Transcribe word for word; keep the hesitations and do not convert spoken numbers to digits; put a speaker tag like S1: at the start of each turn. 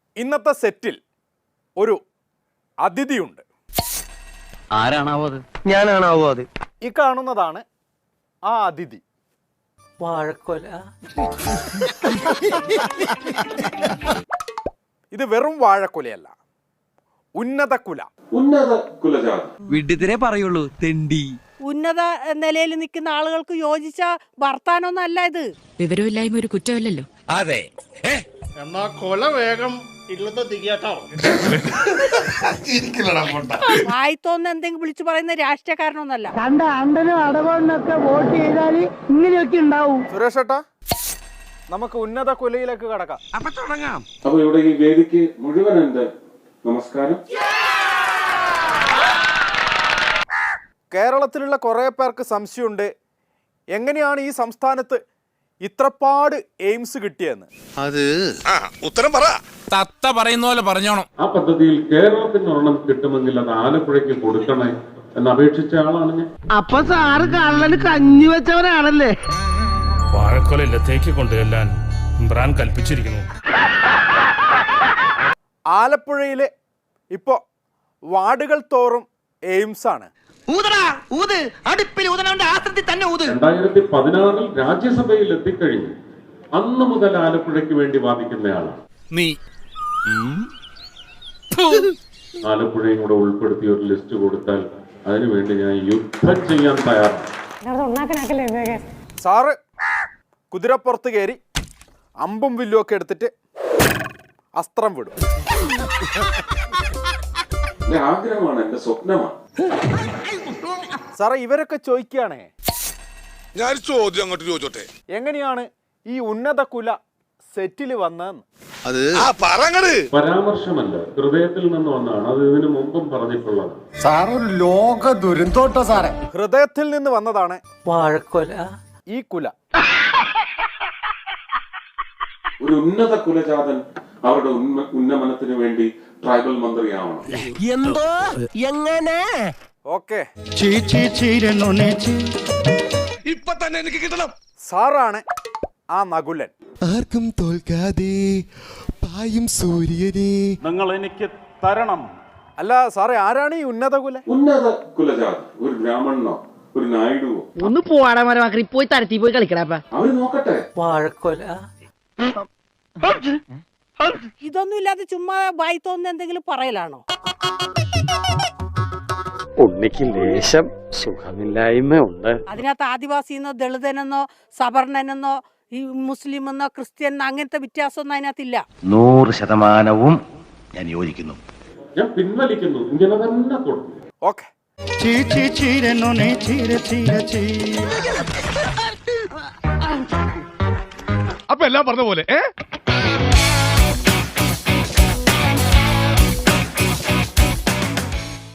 S1: ഇന്നത്തെ സെറ്റിൽ ഒരു അതിഥിയുണ്ട്.
S2: ആരാണാവോ അത്?
S3: ഞാനാണാവോ അത്?
S1: ഈ കാണുന്നതാണ് ആ അതിഥി.
S3: വാഴക്കൊല.
S1: ഇത് വെറും വാഴക്കുലയല്ല, ഉന്നത കുല.
S4: ഉന്നത കുലജാതി.
S2: വിഡിതരെ പറയുള്ളൂ, തെണ്ടി.
S5: ഉന്നത നിലയിൽ നിൽക്കുന്ന ആളുകൾക്ക് യോജിച്ച വർത്താനൊന്നും അല്ല ഇത്.
S6: വിവരമില്ലായ്മ ഒരു കുറ്റമല്ലല്ലോ.
S7: അതെ.
S8: എന്നാ കൊല വേഗം ഇല്ലത്തെ തിരിയാട്ടോ.
S5: വായിത്തോന്ന് എന്തെങ്കിലും വിളിച്ചു പറയുന്ന രാഷ്ട്രീയക്കാരനൊന്നല്ല.
S3: കണ്ട അണ്ടനും അടവണ്ണൊക്കെ വോട്ട് ചെയ്താല് ഇങ്ങനെയൊക്കെ ഉണ്ടാവും.
S1: സുരേഷ് ഏട്ടാ, നമുക്ക് ഉന്നത കുലയിലേക്ക് കടക്കാം.
S7: അപ്പൊ തുടങ്ങാം.
S4: അപ്പൊ ഇവിടെ ഈ വേദിക്ക് മുഴുവൻ എന്റെ നമസ്കാരം.
S1: കേരളത്തിലുള്ള കുറേ പേർക്ക് സംശയമുണ്ട്, എങ്ങനെയാണ് ഈ സംസ്ഥാനത്ത് ഇത്രപാട് എയിംസ് കിട്ടിയെന്ന്.
S7: അത് ഉത്തരം പറ. തത്ത പറയുന്ന പോലെ പറഞ്ഞോണം.
S4: ആ പദ്ധതിയിൽ കേരളത്തിന് ഒരെണ്ണം കിട്ടുമെങ്കിൽ അത് ആലപ്പുഴയ്ക്ക് കൊടുക്കണേ എന്ന് അപേക്ഷിച്ച ആളാണ് ഞാൻ.
S3: അപ്പൊ സാറ് കള്ളന് കഞ്ഞി വെച്ചവനാണല്ലേ?
S8: വാഴക്കൊല ഇല്ലത്തേക്ക് കൊണ്ടുചെല്ലാൻ ഇമ്രാൻ കൽപ്പിച്ചിരിക്കുന്നു.
S1: ആലപ്പുഴയിൽ ഇപ്പോൾ വാർഡുകൾ തോറും എയിംസ് ആണ്.
S4: രണ്ടായിരത്തി പതിനാറിൽ രാജ്യസഭയിൽ എത്തിക്കഴിഞ്ഞു. അന്ന് മുതൽ ആലപ്പുഴയ്ക്ക് വേണ്ടി വാദിക്കുന്നയാളാണ്
S7: നീ.
S4: ആലപ്പുഴയും കൂടെ ഉൾപ്പെടുത്തി ഒരു ലിസ്റ്റ് കൊടുത്താൽ അതിനുവേണ്ടി ഞാൻ യുദ്ധം ചെയ്യാൻ തയ്യാറാണ്.
S1: സാറ് കുതിരപ്പുറത്ത് കയറി അമ്പും വില്ലും ഒക്കെ എടുത്തിട്ട് അസ്ത്രം വിടും.
S4: എന്റെ ആഗ്രഹമാണ്, എന്റെ സ്വപ്നമാണ്.
S1: സാറേ, ഇവരൊക്കെ ചോദിക്കുകയാണേ,
S7: ഞാൻ ചോദ്യം അങ്ങോട്ട് ചോദിച്ചോട്ടെ,
S1: എങ്ങനെയാണ് ഈ ഉന്നത കുല സെറ്റിൽ വന്നതെന്ന്.
S7: അത് പറങ്ങട്
S4: പരാമർശമല്ല, ഹൃദയത്തിൽ നിന്ന് വന്നതാണ്. അത് ഇതിനു മുമ്പും പറഞ്ഞിട്ടുള്ളത്.
S3: സാറൊരു ലോക ദുരന്തോട്ടോ സാറേ.
S1: ഹൃദയത്തിൽ നിന്ന് വന്നതാണ്
S3: വാഴക്കൊല.
S1: ഈ കുല.
S4: ഒരു ഉന്നത കുലജാതൻ അവരുടെ ഉന്നമനത്തിന് വേണ്ടി ട്രൈബൽ മന്ത്രിയാവണം.
S3: എന്തോ എങ്ങനെ?
S1: ഓക്കെ,
S7: ഇപ്പൊ തന്നെ എനിക്ക് കിട്ടണം.
S1: സാറാണ് ആ നകുലൻ.
S9: ആർക്കും തോൽക്കാതെ പായും സൂര്യനെ
S8: നിങ്ങൾ എനിക്ക് തരണം.
S1: അല്ല സാറേ, ആരാണ് ഈ ഉന്നത കുല?
S4: ഉന്നത കുലജാതി ഒരു ബ്രാഹ്മണനോ ഒരു നായിഡുവോ
S3: ഒന്ന് പോവാടാ മരമാക്കി പോയി തരത്തി പോയി കളിക്കടാപ്പ.
S4: അവര് നോക്കട്ടെ.
S3: വാഴക്കൊല.
S5: ഇതൊന്നും ഇല്ലാതെ ചുമ്മാ വായിത്തോന്ന് എന്തെങ്കിലും പറയലാണോ?
S10: ഉണ്ണിക്ക് ലേശം സുഖമില്ലായ്മ ഉണ്ട്.
S5: അതിനകത്ത് ആദിവാസിന്നോ ദളിതനെന്നോ സവർണനെന്നോ ഈ മുസ്ലിം എന്നോ ക്രിസ്ത്യൻ അങ്ങനത്തെ വ്യത്യാസമൊന്നും അതിനകത്തില്ല.
S2: നൂറ് ശതമാനവും ഞാൻ യോജിക്കുന്നു.
S4: ഞാൻ പിൻവലിക്കുന്നു. ഇങ്ങനെ തന്നെ കൊടുക്കും.
S1: ഓക്കെ,
S8: അപ്പൊ എല്ലാം പറഞ്ഞ പോലെ.